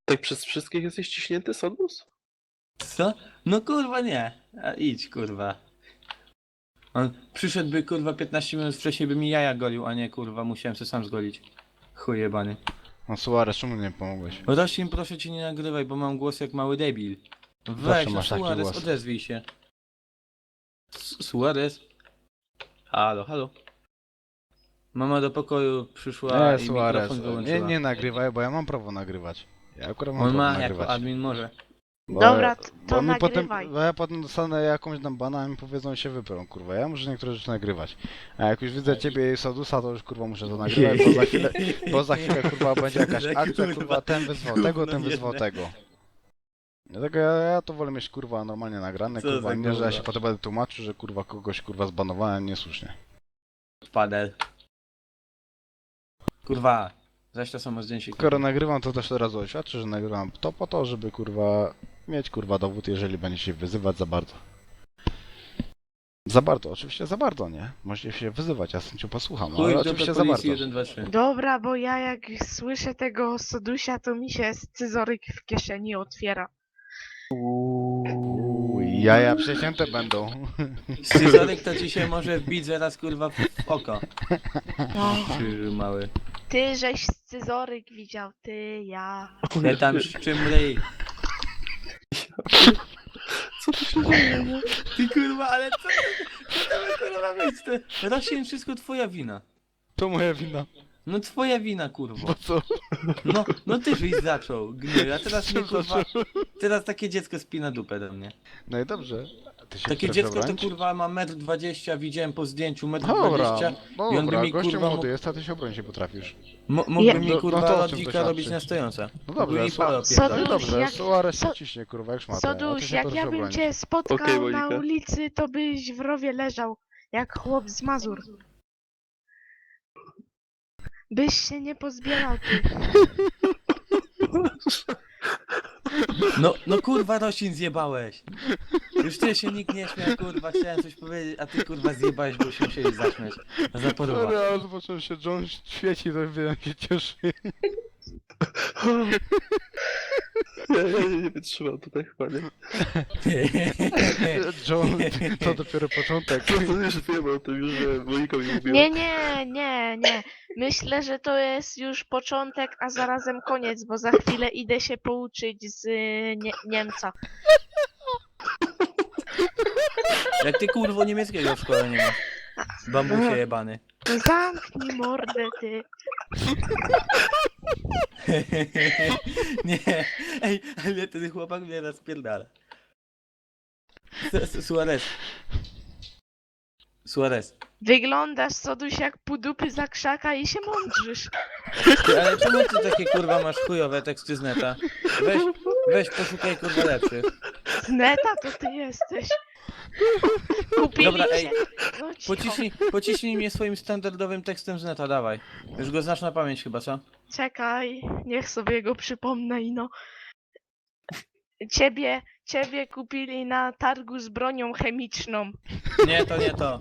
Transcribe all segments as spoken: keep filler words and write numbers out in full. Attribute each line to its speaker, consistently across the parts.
Speaker 1: Tak przez wszystkich jesteś ciśnięty, Sodus?
Speaker 2: Co? No kurwa nie. A idź kurwa. On przyszedłby kurwa piętnaście minut wcześniej by mi jaja golił, a nie kurwa musiałem się sam zgolić. Chuj jebany.
Speaker 3: No Suarez, czemu nie pomogłeś?
Speaker 2: Roślin proszę cię nie nagrywaj, bo mam głos jak mały debil.
Speaker 3: Zawsze
Speaker 2: Weź, no
Speaker 3: masz taki
Speaker 2: Suarez,
Speaker 3: głos.
Speaker 2: odezwij się. S- Suarez? Halo, halo. Mama do pokoju przyszła
Speaker 3: Nie,
Speaker 2: i
Speaker 3: Suarez,
Speaker 2: mikrofon
Speaker 3: nie,
Speaker 2: wyłączyła.
Speaker 3: nie nagrywaj, bo ja mam prawo nagrywać. Ja akurat mam
Speaker 2: On
Speaker 3: prawo
Speaker 2: ma jako
Speaker 3: nagrywać.
Speaker 2: admin może.
Speaker 3: Bo-
Speaker 4: Dobra, t- to
Speaker 3: bo mi potem,
Speaker 4: nagrywaj.
Speaker 3: bo ja potem dostanę jakąś tam bana i mi powiedzą się wyprą, kurwa. Ja muszę niektóre rzeczy nagrywać. A jak już widzę ciebie i Sodusa, to już kurwa muszę to nagrywać, bo za chwilę, bo za chwilę kurwa będzie jakaś
Speaker 2: Za
Speaker 3: akcja,
Speaker 2: kurwa,
Speaker 3: kurwa, ten wyzwał tego, ten
Speaker 2: gówno
Speaker 3: wyzwał
Speaker 2: jedne.
Speaker 3: tego. Dlatego ja, ja to wolę mieć kurwa normalnie nagrane,
Speaker 2: Co
Speaker 3: kurwa,
Speaker 2: za
Speaker 3: nie, że ja
Speaker 2: kurwa.
Speaker 3: się potem będę tłumaczył, że kurwa kogoś kurwa zbanowałem niesłusznie.
Speaker 2: Padel. Kurwa. Zaś to samo zdjęcie.
Speaker 3: Skoro nagrywam, to też od razu oświadczę, że nagrywam to po to, żeby kurwa mieć kurwa dowód, jeżeli będzie się wyzywać za bardzo. Za bardzo, oczywiście za bardzo, nie? Możecie się wyzywać, ja z chęcią posłucham,
Speaker 2: Chuj
Speaker 3: ale
Speaker 2: do
Speaker 3: oczywiście za bardzo.
Speaker 2: policji jeden, dwa, trzy.
Speaker 4: Dobra, bo ja jak słyszę tego Sodusia, to mi się scyzoryk w kieszeni otwiera.
Speaker 3: Uj, jaja przecięte będą.
Speaker 2: Scyzoryk to ci się może wbić zaraz kurwa w w oko.
Speaker 4: No.
Speaker 2: Krzyż mały.
Speaker 4: Ty żeś scyzoryk widział, ty, ja.
Speaker 2: Ja tam szczymryj.
Speaker 1: Co tu się dzieje? nie?
Speaker 2: Ty kurwa, ale co ty, co to by kurwa być? To rośnie wszystko twoja wina.
Speaker 3: To moja wina.
Speaker 2: No twoja wina kurwa.
Speaker 3: Bo co?
Speaker 2: No, no ty żeś zaczął, gnoju, a teraz mnie kurwa, teraz takie dziecko spina dupę do mnie.
Speaker 3: No i dobrze. Ty się
Speaker 2: Takie
Speaker 3: chcesz
Speaker 2: dziecko to
Speaker 3: obronić?
Speaker 2: kurwa ma metr dwadzieścia, widziałem po zdjęciu metr
Speaker 3: Dobra,
Speaker 2: dwadzieścia.
Speaker 3: no
Speaker 2: i on by
Speaker 3: dobra,
Speaker 2: mi,
Speaker 3: gościu
Speaker 2: kurwa,
Speaker 3: młody
Speaker 2: mógł-
Speaker 3: jest, a ty się obronić się potrafisz.
Speaker 2: Mo- mógłby
Speaker 4: Ja-
Speaker 2: mi
Speaker 3: No-
Speaker 2: kurwa
Speaker 3: no to o czym to
Speaker 2: lodzika
Speaker 3: świadczy?
Speaker 2: robić na stojące.
Speaker 3: No
Speaker 2: Mógłby
Speaker 3: dobrze,
Speaker 2: mi
Speaker 3: so,
Speaker 2: pole
Speaker 3: no
Speaker 2: opierdalać.
Speaker 3: i
Speaker 4: Soduś,
Speaker 3: dobrze,
Speaker 4: jak-
Speaker 3: Suarez się
Speaker 4: So-
Speaker 3: ciśnie kurwa jak szmata, a ty
Speaker 4: Soduś,
Speaker 3: się
Speaker 4: jak
Speaker 3: proszę
Speaker 4: ja bym
Speaker 3: obronić.
Speaker 4: cię spotkał
Speaker 1: Okej,
Speaker 4: na
Speaker 1: Monika.
Speaker 4: ulicy, to byś w rowie leżał, jak chłop z Mazur. Byś się nie pozbierał, ty.
Speaker 2: No, no kurwa roślin zjebałeś. Już ty się nikt nie śmiał, kurwa, chciałem coś powiedzieć, a ty kurwa zjebałeś, bo się musieli zaśmiać. Za porwa.
Speaker 3: Sorry, ale zobaczyłem się, John świeci, to wiem, jak się cieszy.
Speaker 1: Ja, ja nie wytrzymam tutaj chyba, nie?
Speaker 3: John, to dopiero początek.
Speaker 1: To, to już wiem o tym, już że Monika mi mówiła.
Speaker 4: Nie, nie, nie, nie. Myślę, że to jest już początek, a zarazem koniec, bo za chwilę idę się pouczyć z y, nie Niemca.
Speaker 2: Jak ty kurwo niemieckiego w szkole nie masz. Bambusie jebany.
Speaker 4: Zamknij mordę, ty.
Speaker 2: Nie, ej, ale ten chłopak mnie rozpierdala. Su- Su- Suarez. Suarez.
Speaker 4: Wyglądasz, Soduś, jak pudupy za krzaka i się mądrzysz.
Speaker 2: Ty, ale czemu ty takie kurwa masz chujowe teksty z neta? Weź, weź poszukaj kurwa lepszych.
Speaker 4: Z neta to ty jesteś. Kupili
Speaker 2: Dobra,
Speaker 4: się.
Speaker 2: ej,
Speaker 4: No cicho.
Speaker 2: Pociśnij, pociśnij mnie swoim standardowym tekstem z neta, dawaj. Już go znasz na pamięć chyba, co?
Speaker 4: Czekaj, niech sobie go przypomnę i no. Ciebie, ciebie kupili na targu z bronią chemiczną.
Speaker 2: Nie, to nie to.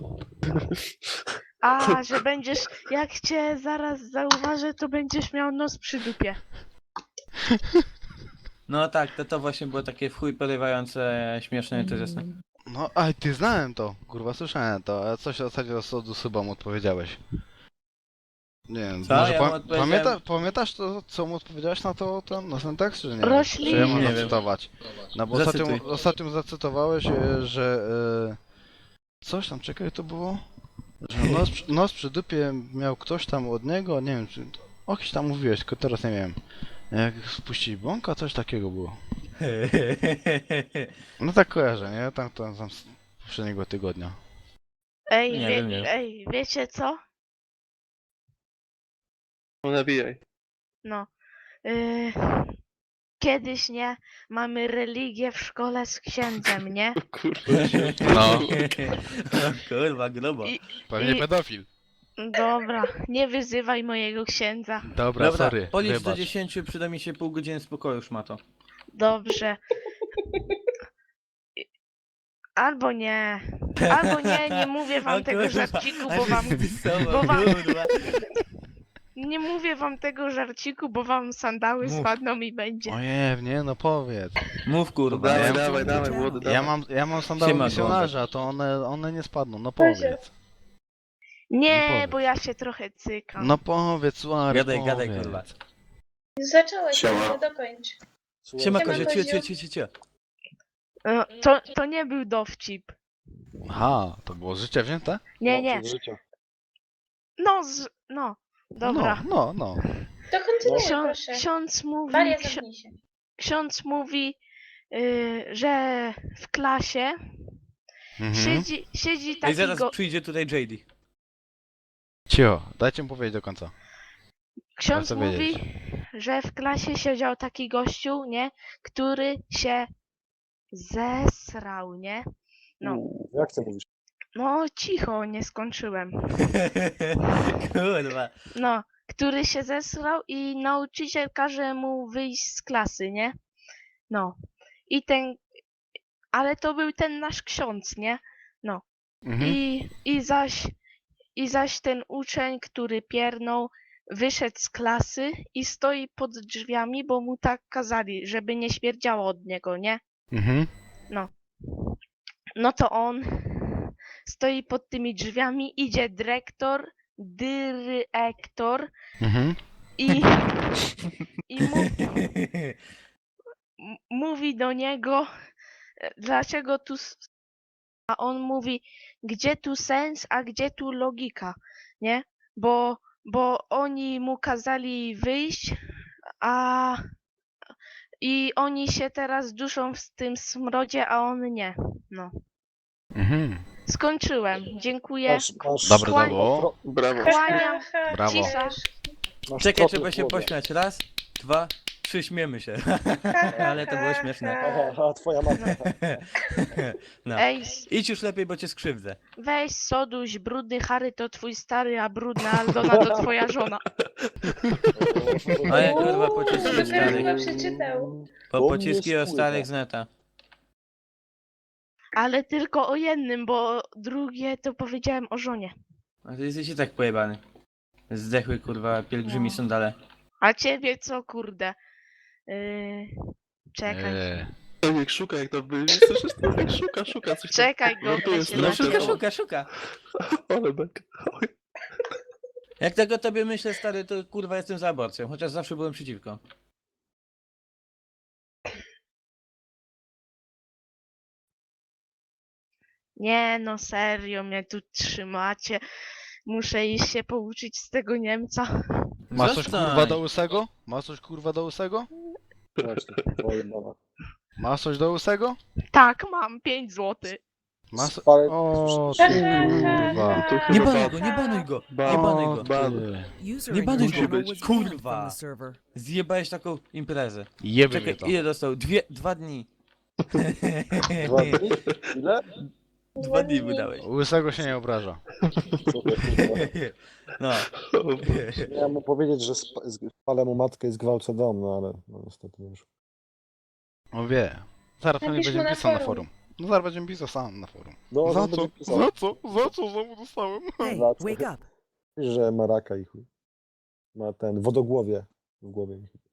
Speaker 4: A, że będziesz, jak cię zaraz zauważę, to będziesz miał nos przy dupie.
Speaker 2: No tak, to, to właśnie było takie w chuj porywające, śmieszne, interesne.
Speaker 3: No, a ty znałem to, kurwa, słyszałem to, a coś w zasadzie o Sodu chyba mu odpowiedziałeś. Nie wiem,
Speaker 2: Co?
Speaker 3: może
Speaker 2: Ja
Speaker 3: pa
Speaker 2: mu odpowiedziałem-
Speaker 3: pamięta pamiętasz to, co mu odpowiedziałeś na to, ten, na ten tekst, czy nie?
Speaker 4: Roślin.
Speaker 3: Czy ja mam
Speaker 2: Nie wiem.
Speaker 3: zacytować? No bo ostatnio,
Speaker 2: Zacytuj.
Speaker 3: ostatnio zacytowałeś, e, że... E, coś tam, czekaj, to było? Że nos, przy- nos przy dupie miał ktoś tam od niego, nie wiem, czy... O kimś tam mówiłeś, tylko teraz nie wiem. Jak spuścić bąka, coś takiego było. No tak kojarzę, nie? Tam, tam, tam z poprzedniego tygodnia.
Speaker 4: Ej,
Speaker 2: Nie
Speaker 4: wie,
Speaker 2: wiem, nie wiem.
Speaker 4: ej, wiecie co?
Speaker 1: No nabijaj.
Speaker 4: No. Yy, kiedyś, nie? Mamy religię w szkole z księdzem, nie?
Speaker 1: Kurwa się.
Speaker 3: No.
Speaker 2: O kurwa, grubo.
Speaker 4: I-
Speaker 3: Pewnie
Speaker 4: I-
Speaker 3: pedofil.
Speaker 4: Dobra, nie wyzywaj mojego księdza.
Speaker 3: Dobra,
Speaker 2: Dobra,
Speaker 3: sorry,
Speaker 2: policz do
Speaker 3: wybacz.
Speaker 2: dziesięciu, przyda mi się pół godziny spokoju, szmato.
Speaker 4: Dobrze. Albo nie. Albo nie, nie mówię wam
Speaker 2: O
Speaker 4: tego
Speaker 2: kurwa,
Speaker 4: żarciku,
Speaker 2: a
Speaker 4: bo
Speaker 2: ty
Speaker 4: wam...
Speaker 2: wypisował,
Speaker 4: bo wam-
Speaker 2: kurwa.
Speaker 4: nie mówię wam tego żarciku, bo wam sandały
Speaker 2: Mów.
Speaker 4: spadną i będzie.
Speaker 3: Ojej, nie, no powiedz.
Speaker 2: Mów kurwa.
Speaker 1: Dawaj,
Speaker 3: ja-
Speaker 1: dawaj, dawaj, młody, dawaj.
Speaker 3: Ja mam, ja mam sandały
Speaker 2: Siema,
Speaker 3: misjonarza, to one, one nie spadną, no
Speaker 5: Powiedział.
Speaker 3: powiedz.
Speaker 4: Nie,
Speaker 3: powiedz.
Speaker 4: bo ja się trochę cykam.
Speaker 3: No powiedz, Suary,
Speaker 2: Gadaj,
Speaker 3: powiedz.
Speaker 2: gadaj kurwa.
Speaker 5: Zacząłeś,
Speaker 1: Siema.
Speaker 5: ale dokończ.
Speaker 2: Siema
Speaker 5: Siema,
Speaker 2: kozio, cio,
Speaker 5: Koziu.
Speaker 2: cio, cio, cio, cio.
Speaker 4: No, to, to nie był dowcip.
Speaker 3: Aha, to było z życia wzięte?
Speaker 4: Nie, nie. No, z, no. Dobra.
Speaker 3: No, no, no.
Speaker 5: To kontynuuj,
Speaker 4: Ksią,
Speaker 5: proszę.
Speaker 4: ksiądz mówi,
Speaker 5: Walia,
Speaker 4: ksi,
Speaker 5: zamknij się.
Speaker 4: ksiądz mówi, y, że w klasie
Speaker 3: Mhm.
Speaker 4: siedzi, siedzi
Speaker 2: Ej,
Speaker 4: taki
Speaker 2: zaraz
Speaker 4: go,
Speaker 2: przyjdzie tutaj J D.
Speaker 3: Cio, dajcie mi powiedzieć do końca.
Speaker 4: ksiądz
Speaker 3: chcę
Speaker 4: mówi,
Speaker 3: wiedzieć.
Speaker 4: że w klasie siedział taki gościu, nie, który się zesrał, nie? No,
Speaker 6: Jak ty mówisz?
Speaker 4: no cicho, nie skończyłem.
Speaker 2: Kurwa.
Speaker 4: No, który się zesrał i nauczyciel każe mu wyjść z klasy, nie? No. I ten, ale to był ten nasz ksiądz, nie?
Speaker 3: Mhm.
Speaker 4: I, i zaś, i zaś ten uczeń, który piernął, wyszedł z klasy i stoi pod drzwiami, bo mu tak kazali, żeby nie śmierdziało od niego, nie?
Speaker 3: Mhm.
Speaker 4: No to on stoi pod tymi drzwiami, idzie dyrektor, dyrektor
Speaker 3: Mhm.
Speaker 4: i, i mu, m- mówi do niego, e, dlaczego tu. s- A on mówi, gdzie tu sens, a gdzie tu logika, nie? Bo, bo oni mu kazali wyjść, a i oni się teraz duszą w tym smrodzie, a on nie. No.
Speaker 3: Mhm.
Speaker 4: Skończyłem. Dziękuję.
Speaker 6: Masz, masz,
Speaker 3: Dobre to
Speaker 4: Kłań-
Speaker 3: było.
Speaker 1: Brawo.
Speaker 4: Kłaniam.
Speaker 3: Brawo.
Speaker 4: Cisza.
Speaker 6: masz
Speaker 2: Czekaj,
Speaker 6: tropy
Speaker 2: trzeba
Speaker 6: w
Speaker 2: się
Speaker 6: głowie.
Speaker 2: pośmiać. Raz, dwa, trzy, śmiemy się. Ale to było śmieszne.
Speaker 6: Aha, aha, twoja matka.
Speaker 2: No.
Speaker 4: Ej, s-
Speaker 2: Idź już lepiej, bo cię skrzywdzę.
Speaker 4: weź Soduś, brudny Harry to twój stary, a brudna Aldona to twoja żona.
Speaker 2: Ale kurwa pociski
Speaker 5: Dopiero
Speaker 2: starych.
Speaker 5: chyba przeczytał.
Speaker 2: Po
Speaker 6: On
Speaker 2: pociski
Speaker 6: nie
Speaker 2: o starych
Speaker 6: spływa.
Speaker 2: z neta.
Speaker 4: Ale tylko o jednym, bo drugie to powiedziałem o żonie.
Speaker 2: A ty jesteś i tak pojebany. Zdechły kurwa pielgrzymi
Speaker 4: No.
Speaker 2: sandale.
Speaker 4: A ciebie co, kurde? Yy, czekaj.
Speaker 3: Eee.
Speaker 1: Tomek szuka jak to by. Słyszysz, Tomek szuka, szuka coś tam.
Speaker 4: Czekaj, go
Speaker 1: Żartuję,
Speaker 4: się
Speaker 2: No
Speaker 1: Znaczy,
Speaker 2: szuka,
Speaker 1: to-
Speaker 2: szuka, szuka.
Speaker 1: Ale bek. Oj.
Speaker 2: Jak tego o tobie myślę, stary, to kurwa jestem za aborcją, chociaż zawsze byłem przeciwko.
Speaker 4: Nie no, serio, mnie tu trzymacie. Muszę iść się pouczyć z tego Niemca.
Speaker 3: Masz coś
Speaker 2: Zostań.
Speaker 3: kurwa do łysego? Masz coś kurwa do łysego?
Speaker 6: Właśnie, twoja mama.
Speaker 3: Masz coś do łysego?
Speaker 4: Tak, mam pięć złotych.
Speaker 3: Masz...
Speaker 6: Spalę-
Speaker 3: O,
Speaker 5: Ha,
Speaker 3: ty
Speaker 5: ha, ha,
Speaker 3: kurwa.
Speaker 5: ha,
Speaker 1: Tu
Speaker 5: ha.
Speaker 2: Nie
Speaker 1: chyba
Speaker 2: banuj
Speaker 1: ban.
Speaker 2: go, nie banuj go, nie
Speaker 1: Ban.
Speaker 2: banuj
Speaker 3: O,
Speaker 2: go.
Speaker 1: Ban.
Speaker 3: ty.
Speaker 7: User
Speaker 2: Nie
Speaker 7: in your
Speaker 2: banuj
Speaker 1: go.
Speaker 7: channel
Speaker 1: Musi
Speaker 7: was
Speaker 1: być.
Speaker 7: banned
Speaker 2: Kurwa.
Speaker 7: from the server.
Speaker 2: Zjebałeś taką imprezę.
Speaker 3: Jeby
Speaker 2: Czekaj,
Speaker 3: mnie to.
Speaker 2: ile dostał? Dwie, dwa dni.
Speaker 6: Dwa dni? Ile?
Speaker 2: Dwa dni mu dałeś.
Speaker 3: Łysego się nie obraża.
Speaker 6: Super, kurwa.
Speaker 2: No.
Speaker 1: O Boże.
Speaker 6: Miałem mu powiedzieć, że sp- spalę mu matkę i zgwałcę dom, no ale no, niestety nie wyszło.
Speaker 3: On wie. Zaraz pewnie
Speaker 5: Napisz mu
Speaker 3: będziemy
Speaker 5: na
Speaker 3: pisał na
Speaker 5: forum.
Speaker 3: forum. No zaraz będziemy pisał sam na forum.
Speaker 6: No,
Speaker 3: Za
Speaker 6: on
Speaker 3: co?
Speaker 6: będzie pisał,
Speaker 3: Za co? Za co znowu dostałem?
Speaker 7: Hey,
Speaker 6: That's-
Speaker 7: wake up.
Speaker 6: że ma raka i chuj. Ma ten wodogłowie w głowie.